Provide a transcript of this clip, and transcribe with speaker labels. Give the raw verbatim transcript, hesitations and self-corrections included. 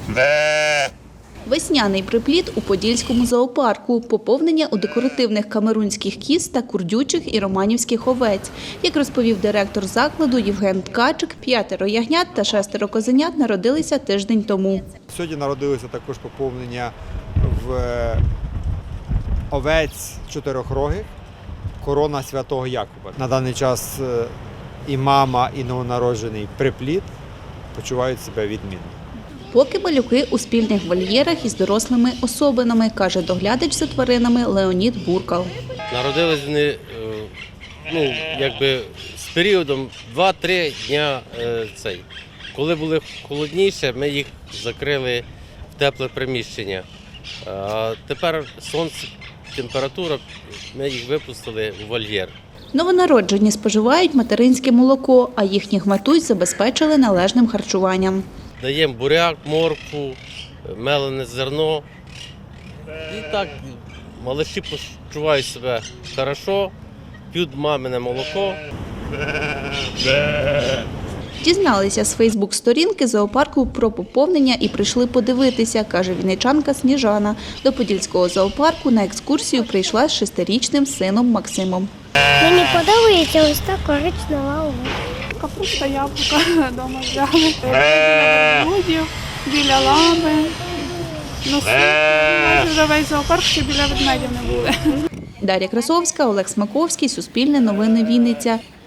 Speaker 1: Весняний приплід у Подільському зоопарку, поповнення у декоративних камерунських кіз та курдючих і романівських овець. Як розповів директор закладу Євген Ткачик, п'ятеро ягнят та шестеро козенят народилися тиждень тому.
Speaker 2: Сьогодні народилося також поповнення в овець чотирьохрогих, корона Святого Якуба. На даний час і мама, і новонароджений приплід почувають себе відмінно.
Speaker 1: Поки малюки у спільних вольєрах із дорослими особинами, каже доглядач за тваринами Леонід Буркал.
Speaker 3: Народились вони, ну, якби з періодом два-три дня цей. Коли були холодніше, ми їх закрили в тепле приміщення. А тепер сонце, температура, ми їх випустили в вольєр.
Speaker 1: Новонароджені споживають материнське молоко, а їхніх матусь забезпечили належним харчуванням.
Speaker 3: Даємо буряк, моркву, мелене зерно. І так малиші почувають себе добре, п'ють мамине молоко.
Speaker 1: Дізналися з фейсбук-сторінки зоопарку про поповнення і прийшли подивитися, каже вінничанка Сніжана. До Подільського зоопарку на екскурсію прийшла з шестирічним сином Максимом.
Speaker 4: Мені подобається ось та коричнева овечка.
Speaker 5: Капуста, яблука вдома взяли. Біля верблюдів, біля лами. Ну, майже вже весь зоопарк, ще біля ведмедів не були.
Speaker 1: Дар'я Красовська, Олег Смаковський, Суспільне новини Вінниця.